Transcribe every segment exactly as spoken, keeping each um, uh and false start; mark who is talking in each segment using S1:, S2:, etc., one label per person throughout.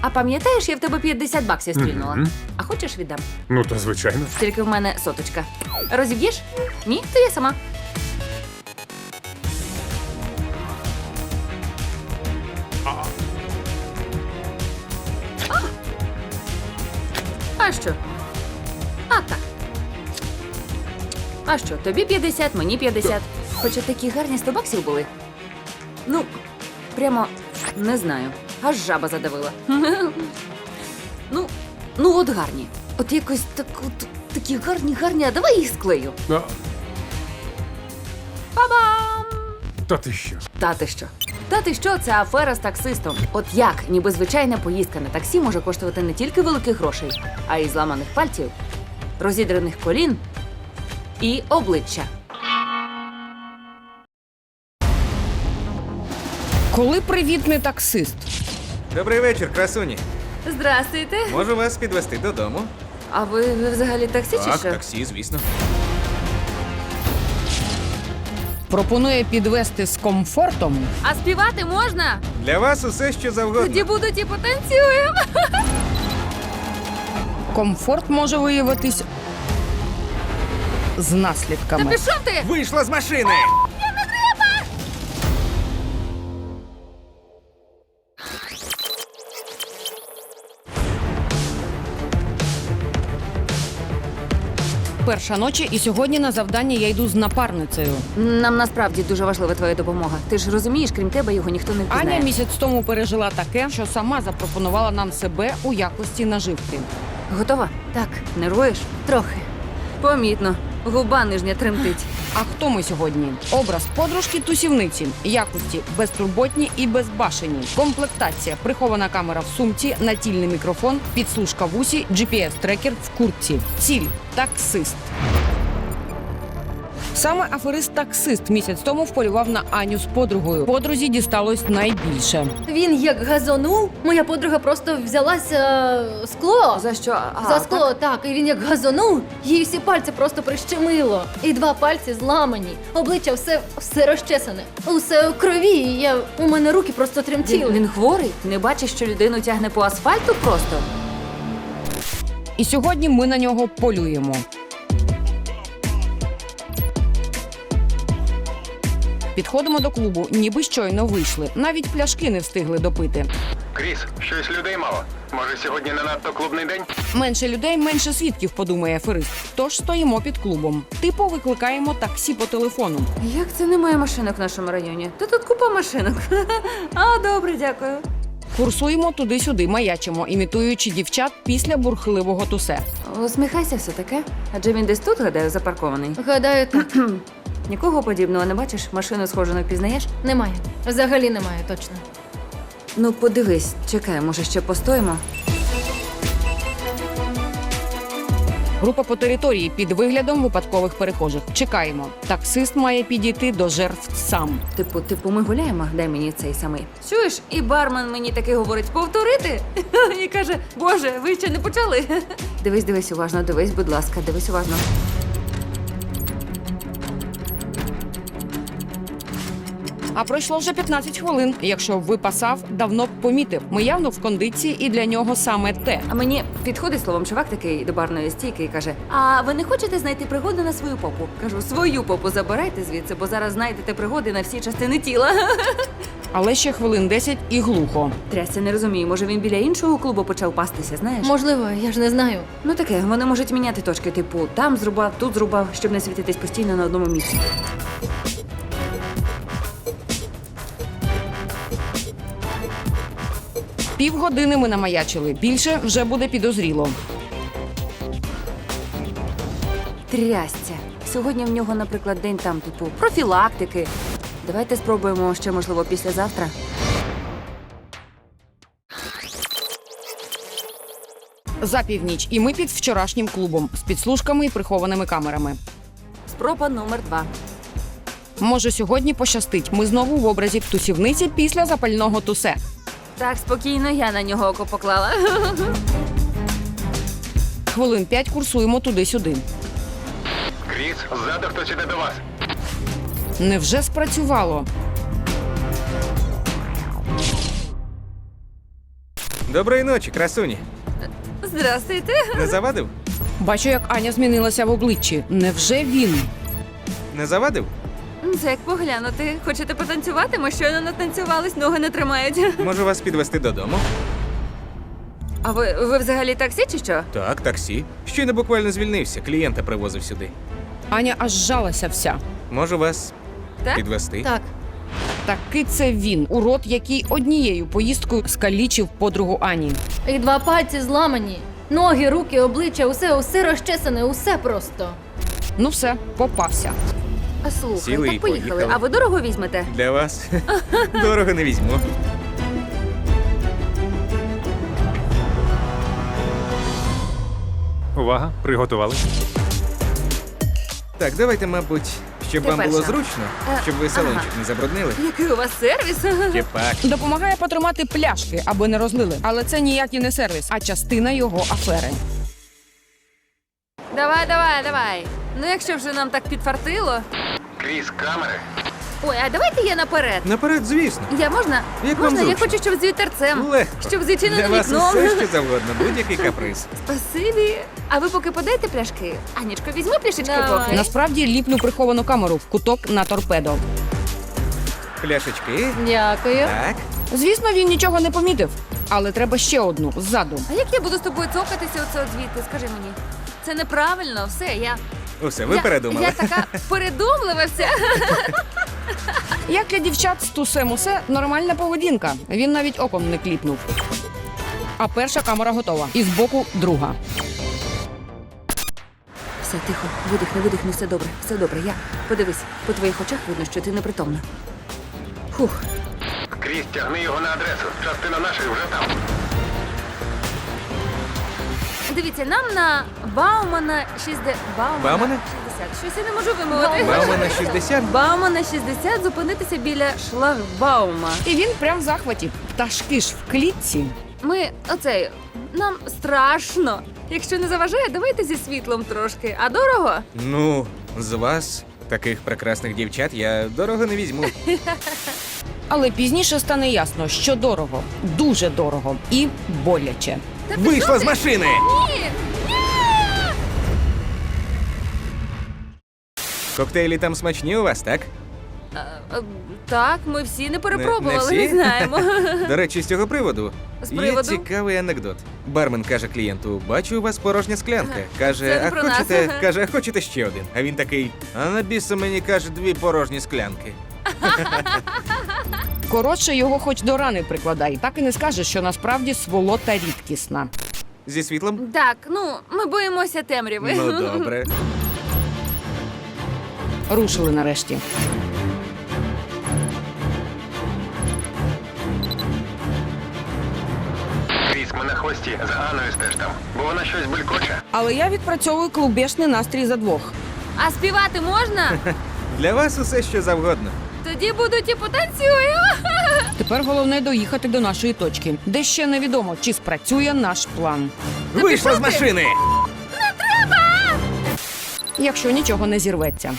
S1: А пам'ятаєш, я в тебе п'ятдесят баксів стрільнула?
S2: Мгм.
S1: А хочеш віддам?
S2: Ну, та звичайно.
S1: Тільки в мене соточка. Розіб'єш? Ні? То я сама. А, а що? А так. А що, тобі п'ятдесят, мені п'ятдесят. Хоча такі гарні сто баксів були. Ну, прямо не знаю. Аж жаба задавила. Ну, ну от гарні. От якось так, от, такі гарні, гарні, а давай їх склею.
S2: А,
S1: Па-бам!
S2: та ти що?
S1: Та ти що? Та ти що, це афера з таксистом. От як, ніби звичайна поїздка на таксі може коштувати не тільки великих грошей, а й зламаних пальців, розідраних колін і обличчя.
S3: Коли привітний таксист?
S4: Добрий вечір, красуні.
S1: Здрастуйте.
S4: Можу вас підвести додому?
S1: А ви, ви взагалі таксі чи
S4: Так,
S1: що?
S4: таксі, звісно.
S3: Пропонує підвести з комфортом.
S1: А співати можна?
S4: Для вас усе, що завгодно.
S1: Тоді будуть і потанцюємо.
S3: Комфорт може виявитись з
S1: Та
S3: наслідками.
S1: пішов ти!
S4: Вийшла з машини!
S3: Перша ночі, і сьогодні на завдання я йду з напарницею.
S1: Нам насправді дуже важлива твоя допомога. Ти ж розумієш, крім тебе його ніхто не впізнає.
S3: Аня місяць тому пережила таке, що сама запропонувала нам себе у якості наживки.
S1: Готова? Так. Нервуєш? Трохи. Помітно. Губа нижня тремтить.
S3: А хто ми сьогодні? Образ подружки-тусівниці, якості безтурботні і безбашені. Комплектація, прихована камера в сумці, натільний мікрофон, підслужка в усі, джі пі ес-трекер в куртці. Ціль – таксист. Саме аферист-таксист місяць тому вполював на Аню з подругою. Подрузі дісталось найбільше.
S5: Він як газонув, моя подруга просто взялася е, скло.
S1: За що? А,
S5: За скло, так. І він як газонув, їй всі пальці просто прищемило. І два пальці зламані. Обличчя все, все розчесане. Усе у крові. І я, у мене руки просто тремтіли.
S1: Він, він хворий? Не бачиш, що людину тягне по асфальту просто?
S3: І сьогодні ми на нього полюємо. Підходимо до клубу, ніби щойно вийшли. Навіть пляшки не встигли допити.
S6: Кріс, щось людей мало. Може, сьогодні не надто клубний день?
S3: Менше людей, менше свідків, подумає аферист. Тож стоїмо під клубом. Типу викликаємо таксі по телефону.
S1: Як це немає машинок в нашому районі? Та тут купа машинок. А, добре, дякую.
S3: Курсуємо туди-сюди, маячимо, імітуючи дівчат після бурхливого тусе.
S1: Усміхайся все таке. Адже він десь тут, гадаю, запаркований.
S5: Гадаю, так.
S1: Нікого подібного не бачиш? Машину схожу не впізнаєш?
S5: Немає. Взагалі немає, точно.
S1: Ну, подивись, чекай, може ще постоїмо?
S3: Група по території під виглядом випадкових перехожих. Чекаємо. Таксист має підійти до жертв сам.
S1: Типу, типу, ми гуляємо, дай мені цей самий. Чуєш, і бармен мені таки говорить повторити. І каже, боже, ви ще не почали. Дивись, дивись уважно, дивись, будь ласка, дивись уважно.
S3: А пройшло вже п'ятнадцять хвилин. Якщо б випасав, давно б помітив. Ми явно в кондиції, і для нього саме те.
S1: А мені підходить словом чувак такий до барної стійки і каже: а ви не хочете знайти пригоди на свою попу? Кажу, свою попу забирайте звідси, бо зараз знайдете пригоди на всі частини тіла.
S3: Але ще хвилин десять і глухо.
S1: Трясся, не розумію, може він біля іншого клубу почав пастися, знаєш?
S5: Можливо, я ж не знаю.
S1: Ну таке, вони можуть міняти точки, типу, там зрубав, тут зрубав, щоб не світитись постійно на одному місці.
S3: Півгодини ми намаячили. Більше вже буде підозріло.
S1: Трясця. Сьогодні в нього, наприклад, день там, типу, профілактики. Давайте спробуємо ще, можливо, післязавтра.
S3: За північ. І ми під вчорашнім клубом. З підслужками і прихованими камерами.
S1: Спроба номер два.
S3: Може, сьогодні пощастить. Ми знову в образі тусівниці після запального тусе.
S1: Так, спокійно, я на нього око поклала.
S3: Хвилин п'ять курсуємо туди-сюди.
S6: Кріс, ззаду хтось іде до вас.
S3: Невже спрацювало?
S4: Доброї ночі, красуні.
S1: Здрастуйте.
S4: Не завадив?
S3: Бачу, як Аня змінилася в обличчі. Невже він?
S4: Не завадив?
S1: Це як поглянути. Хочете потанцювати? Ми щойно натанцювались, ноги не тримають.
S4: Можу вас підвести додому?
S1: А ви, ви взагалі таксі чи що?
S4: Так, таксі. Щойно буквально звільнився, клієнта привозив сюди.
S3: Аня аж жалася вся.
S4: Можу вас
S1: Так?
S4: підвести?
S5: Так,
S3: Таки це він, урод, який однією поїздкою скалічив подругу Ані.
S5: і два пальці зламані. Ноги, руки, обличчя, усе, усе розчесане, усе просто.
S3: Ну все, попався.
S1: А слухай,
S4: Сіли
S1: так
S4: і
S1: поїхали.
S4: поїхали.
S1: А ви дорого візьмете?
S4: Для вас дорого не візьму.
S2: Увага, приготували.
S4: Так, давайте, мабуть, щоб
S1: Ти
S4: вам було
S1: перша.
S4: зручно,
S1: Е,
S4: щоб ви салончик
S1: ага.
S4: не забруднили.
S1: Який у вас сервіс?
S4: Тіпак.
S3: Допомагає потримати пляшки, аби не розлили. Але це ніякий не сервіс, а частина його афери.
S1: Давай, давай, давай. Ну якщо вже нам так підфартило.
S6: Крізь камери.
S1: Ой, а давайте я наперед.
S4: Наперед, звісно.
S1: Я можна?
S4: Як вам
S1: можна? Я
S4: зручно?
S1: хочу, щоб з вітерцем.
S4: Легко.
S1: Щоб з відчиненим
S4: Для вас
S1: вікном.
S4: усе, що завгодно, будь-який каприз.
S1: Спасибі. А ви поки подайте пляшки. Анічко, візьми пляшечки
S5: Давай.
S1: поки.
S3: Насправді ліплю приховану камеру в куток на торпедо.
S4: Пляшечки.
S5: Дякую.
S4: Так.
S3: Звісно, він нічого не помітив, але треба ще одну ззаду.
S1: А як я буду з тобою цокатися оце звідти? Скажи мені. Це неправильно, все, я.
S4: Усе, ви
S1: я,
S4: передумали.
S1: Я така передумлива вся.
S3: Як для дівчат з тусем усе нормальна поведінка. Він навіть оком не кліпнув. А перша камера готова. І збоку друга.
S1: Все, тихо, видихни, видихни, все добре, все добре. Я подивись, по твоїх очах видно, що ти непритомна. Фух.
S6: Крізь, тягни його на адресу. Частина наших вже там.
S1: Дивіться, нам на Баумана шістдесят. Баумана,
S4: Баумана?
S1: шістдесят. Щось я не можу вимовити.
S4: Баумана шістдесят.
S1: Баумана шістдесят зупинитися біля шлагбаума.
S3: І він прям в захваті. Пташки ж в клітці.
S1: Ми оцей. Нам страшно. Якщо не заважає, давайте зі світлом трошки. А дорого?
S4: Ну, з вас, таких прекрасних дівчат, я дорого не візьму.
S3: Але пізніше стане ясно, що дорого, дуже дорого і боляче.
S1: Та
S4: Вийшла
S1: пішов
S4: з
S1: ти.
S4: машини!
S1: Ні!
S4: Коктейлі там смачні у вас, так?
S1: А, а, Так, ми всі не перепробували,
S4: Не-
S1: не,
S4: не всі?
S1: знаємо.
S4: До речі, з цього приводу
S1: З
S4: є
S1: приводу?
S4: цікавий анекдот. Бармен каже клієнту: бачу, у вас порожня склянка.
S1: Це
S4: Каже,
S1: не
S4: а
S1: про нас.
S4: хочете, каже, а хочете ще один? А він такий: а на біса мені каже дві порожні склянки.
S3: Коротше, його хоч до рани прикладай. Так і не скажеш, що насправді сволота рідкісна.
S4: Зі світлом?
S1: Так, ну, ми боїмося темряви.
S4: Ну добре.
S3: Рушили нарешті.
S6: Крізь, ми на хвості. За Аною стеж там. Бо вона щось булькоче.
S3: Але я відпрацьовую клубешний настрій за двох.
S1: А співати можна?
S4: Для вас усе, що завгодно.
S1: Тоді будуть і потанцюємо.
S3: Тепер головне доїхати до нашої точки, де ще невідомо, чи спрацює наш план.
S4: Вийшла з
S1: пішов ти!
S4: машини!
S3: Якщо нічого не зірветься.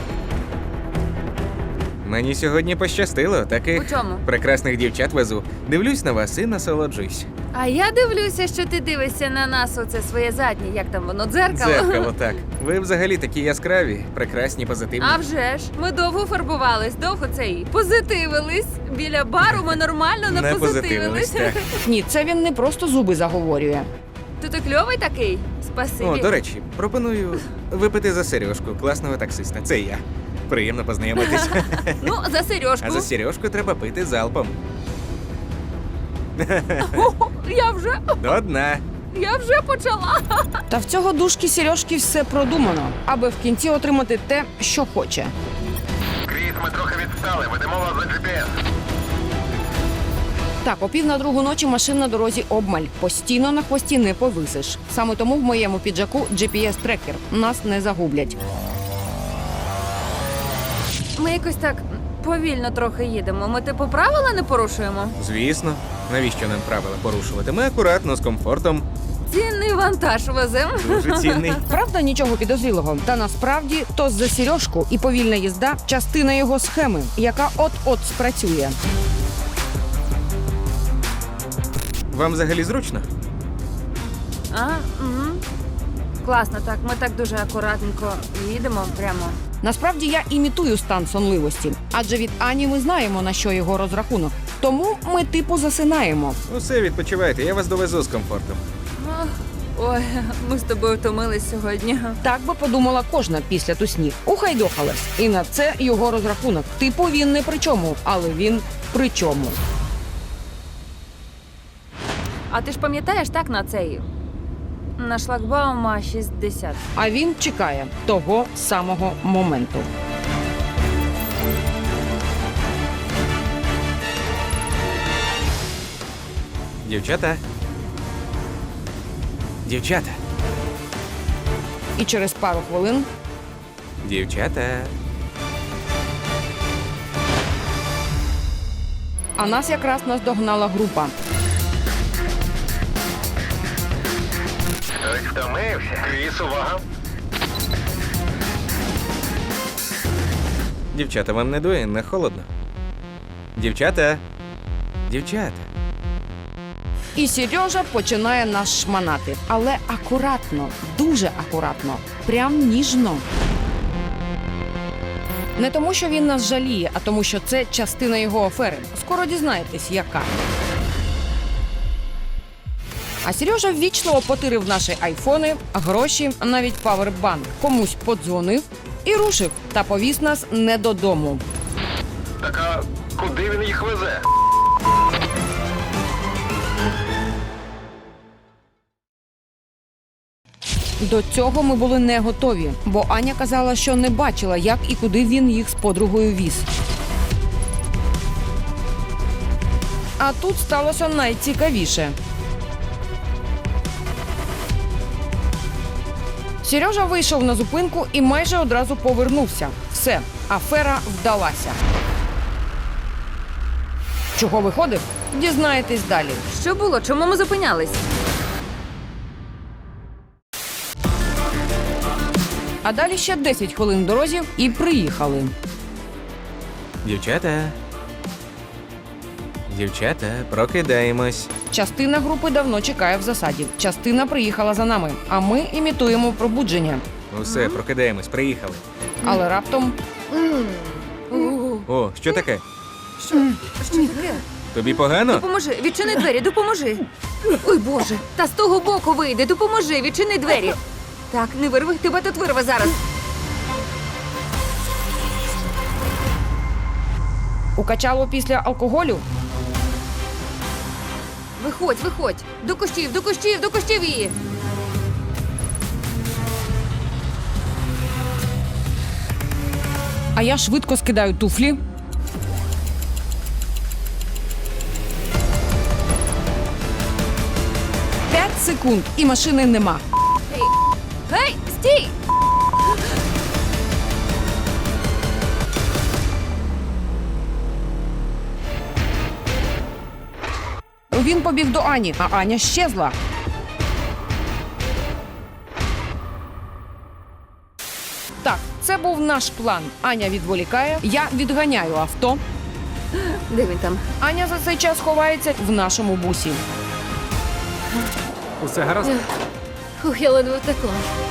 S4: Мені сьогодні пощастило. Таких
S1: У чому?
S4: прекрасних дівчат везу. Дивлюсь на вас і насолоджуюсь.
S1: А я дивлюся, що ти дивишся на нас, оце своє заднє, як там воно, дзеркало.
S4: Дзеркало, так. Ви взагалі такі яскраві, прекрасні, позитивні.
S1: А вже ж, ми довго фарбувались, довго цей позитивились. Біля бару ми нормально не,
S4: Не
S1: позитивились.
S4: позитивились, так.
S3: Ні, це він не просто зуби заговорює.
S1: Ти то кльовий такий? Спасибі.
S4: О, до речі, пропоную випити за Сережку, класного таксиста. Це я. Приємно познайомитись.
S1: Ну, за сережку.
S4: А за Сережку треба пити залпом.
S1: О, я вже,
S4: До дна.
S1: я вже почала.
S3: Та в цього душки Сережки все продумано, аби в кінці отримати те, що хоче.
S6: Крізь, ми трохи відстали. Ведемо вас за джі пі ес.
S3: Так, о пів на другу ночі машин на дорозі обмаль. Постійно на хвості не повисиш. Саме тому в моєму піджаку джі пі ес-трекер. Нас не загублять.
S1: Ми якось так повільно трохи їдемо. Ми типу правила не порушуємо.
S4: Звісно. Навіщо нам правила порушувати? Ми акуратно, з комфортом.
S1: Цінний вантаж везем.
S4: Дуже цінний.
S3: Правда, нічого підозрілого. Та насправді то за Сережку і повільна їзда – частина його схеми, яка от-от спрацює.
S4: Вам взагалі зручно?
S1: А, угу. Класно, так. Ми так дуже акуратненько їдемо прямо.
S3: Насправді я імітую стан сонливості, адже від Ані ми знаємо, на що його розрахунок. Тому ми типу засинаємо.
S4: Усе, відпочивайте, я вас довезу з комфортом.
S1: Ах, ой, ми з тобою втомились сьогодні.
S3: Так би подумала кожна після тусні. Ухайдохалась. І на це його розрахунок. Типу він не при чому, але він при чому.
S1: А ти ж пам'ятаєш так на цей? На шлагбаума шістдесят.
S3: А він чекає того самого моменту.
S4: Дівчата. Дівчата.
S3: І через пару хвилин
S4: Дівчата.
S3: а нас якраз наздогнала група.
S6: Хтось втомився. Кріс, увага.
S4: Дівчата, вам не дує, не холодно? Дівчата. Дівчата.
S3: І Сережа починає нас шманати. Але акуратно, дуже акуратно, прям ніжно. Не тому, що він нас жаліє, а тому, що це частина його афери. Скоро дізнаєтесь, яка. А Сережа ввічливо потирив наші айфони, гроші, навіть павербанк. Комусь подзвонив і рушив. Та повіз нас не додому.
S6: Так а куди він їх везе?
S3: До цього ми були не готові, бо Аня казала, що не бачила, як і куди він їх з подругою віз. А тут сталося найцікавіше. Сережа вийшов на зупинку і майже одразу повернувся. Все, афера вдалася. Чого виходив? Дізнаєтесь далі.
S1: Що було? Чому ми зупинялись?
S3: А далі ще десять хвилин в дорозі і приїхали.
S4: Дівчата. Дівчата, прокидаємось.
S3: Частина групи давно чекає в засаді. Частина приїхала за нами, а ми імітуємо пробудження.
S4: Усе, прокидаємось, приїхали.
S3: Але раптом
S5: М.
S4: О, що таке?
S1: Що? Що таке?
S4: Тобі погано?
S1: Допоможи, відчини двері, допоможи. Ой, Боже, та з того боку вийди, допоможи, відчини двері. Так, не вирви, тебе тут вирве зараз.
S3: укачало після алкоголю.
S1: Виходь, виходь. До кущів, до кущів, до кущів її.
S3: А я швидко скидаю туфлі. П'ять секунд і машини нема.
S1: Гей, гей, стій!
S3: Він побіг до Ані, а Аня щезла. Так, це був наш план. Аня відволікає, я відганяю авто.
S1: Де він там?
S3: Аня за цей час ховається в нашому бусі.
S2: Усе гаразд?
S5: Фух, я ледве втекла.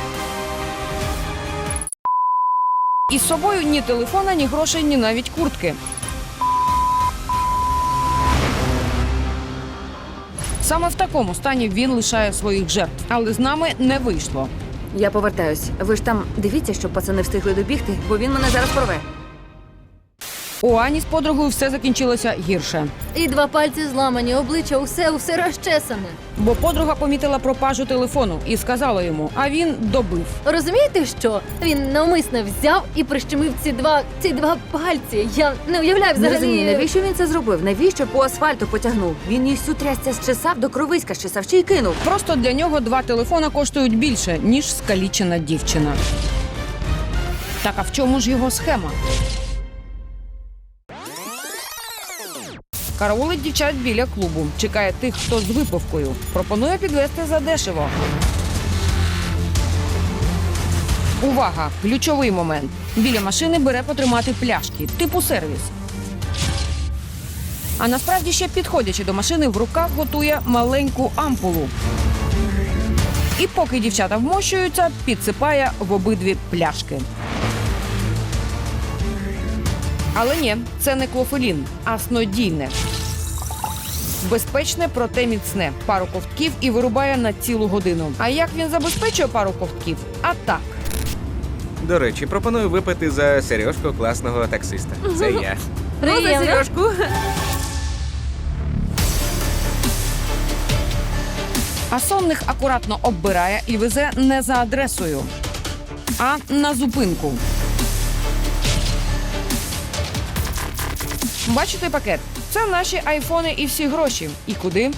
S3: І з собою ні телефона, ні грошей, ні навіть куртки. Саме в такому стані він лишає своїх жертв. Але з нами не вийшло.
S1: Я повертаюсь. Ви ж там дивіться, щоб пацани встигли добігти, бо він мене зараз порве.
S3: У Ані з подругою все закінчилося гірше.
S5: І два пальці зламані, обличчя, усе, усе розчесане.
S3: Бо подруга помітила пропажу телефону і сказала йому, а він добив.
S5: Розумієте, що? Він навмисно взяв і прищемив ці два, ці два пальці. Я не уявляю
S1: Не
S5: взагалі.
S1: розумію, навіщо він це зробив? Навіщо по асфальту потягнув? Він їх всю трясця зчесав, до кровиська щесав, ще й кинув.
S3: Просто для нього два телефона коштують більше, ніж скалічена дівчина. Так а в чому ж його схема? Караулить дівчат біля клубу. Чекає тих, хто з випивкою. Пропонує підвести задешево. Увага! Ключовий момент. Біля машини бере потримати пляшки. Типу сервіс. А насправді ще підходячи до машини, в руках готує маленьку ампулу. І поки дівчата вмощуються, підсипає в обидві пляшки. Але ні, це не клофелін, а снодійне. Безпечне, проте міцне. Пару ковтків і вирубає на цілу годину. А як він забезпечує пару ковтків? А так.
S4: До речі, пропоную випити за Сережку класного таксиста. Це я.
S1: Ну, за
S5: Приємно.
S1: Сережку.
S3: А сонних акуратно оббирає і везе не за адресою, а на зупинку. Бачите пакет? Це наші айфони і всі гроші. І куди?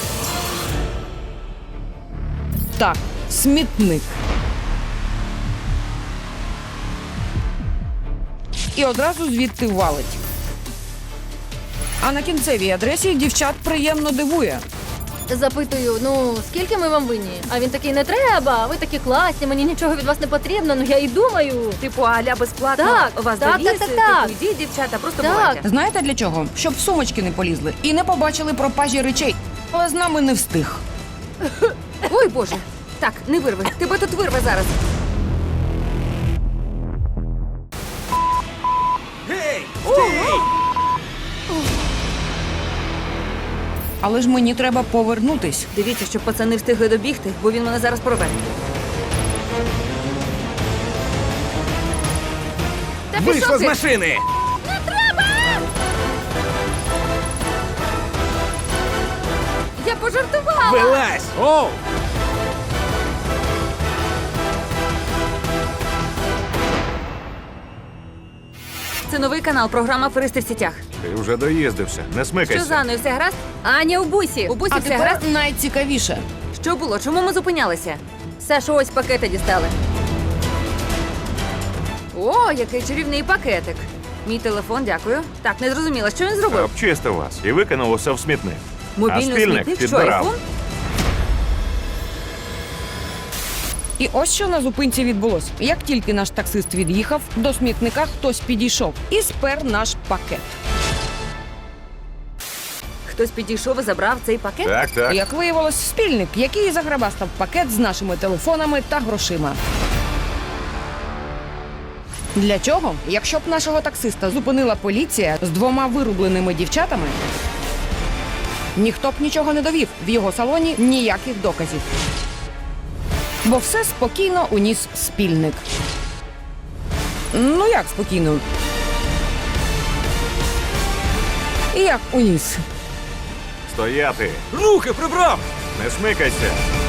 S3: Так, смітник. І одразу звідти валить. А на кінцевій адресі дівчат приємно дивує.
S5: Запитую, ну скільки ми вам винні? А він такий, не треба, ви такі класні, мені нічого від вас не потрібно, ну я і думаю.
S1: Типу, аля безплатно
S5: Так,
S1: вас
S5: так,
S1: довіз,
S5: так, так, так.
S1: типу, йдіть, дівчата, просто
S5: Так.
S1: бувайте.
S3: Знаєте для чого? Щоб в сумочки не полізли і не побачили пропажі речей. Але з нами не встиг.
S1: Ой, Боже. Так, не вирви. Тебе тут вирве зараз.
S4: Гей! Стій!
S3: Але ж мені треба повернутись.
S1: Дивіться, щоб пацани встигли добігти, бо він мене зараз порве. Та
S4: Вийшла
S1: пішов
S4: з
S1: ти!
S4: машини!
S1: Я пожартувала!
S4: Вилазь!
S2: Оу!
S1: Це новий канал, програма «Аферисти в сітях».
S2: Ти вже доїздився. Не
S1: Що
S2: смикайся.
S1: з Анною, все гаразд? Аня у бусі. У бусі
S3: А
S1: все гаразд?
S3: тепер найцікавіше.
S1: Що було? Чому ми зупинялися? Сашу, ось пакети дістали. О, який чарівний пакетик. Мій телефон, дякую. Так, не зрозуміла, що він зробив?
S2: Обчистив вас і викинув усе в смітник. а
S1: Мобільний
S2: спільник
S1: смітник, що
S2: підбирав.
S1: айфон?
S3: І ось що на зупинці відбулось. Як тільки наш таксист від'їхав, до смітника хтось підійшов і спер наш пакет.
S1: Хтось підійшов і забрав цей пакет?
S2: Так, так.
S3: Як виявилось, спільник, який заграбастав пакет з нашими телефонами та грошима. Для чого? Якщо б нашого таксиста зупинила поліція з двома вирубленими дівчатами, ніхто б нічого не довів. В його салоні ніяких доказів. Бо все спокійно уніс спільник. Ну як спокійно? Як уніс?
S2: Стояти.
S4: Руки прибрав!
S2: Не смикайся.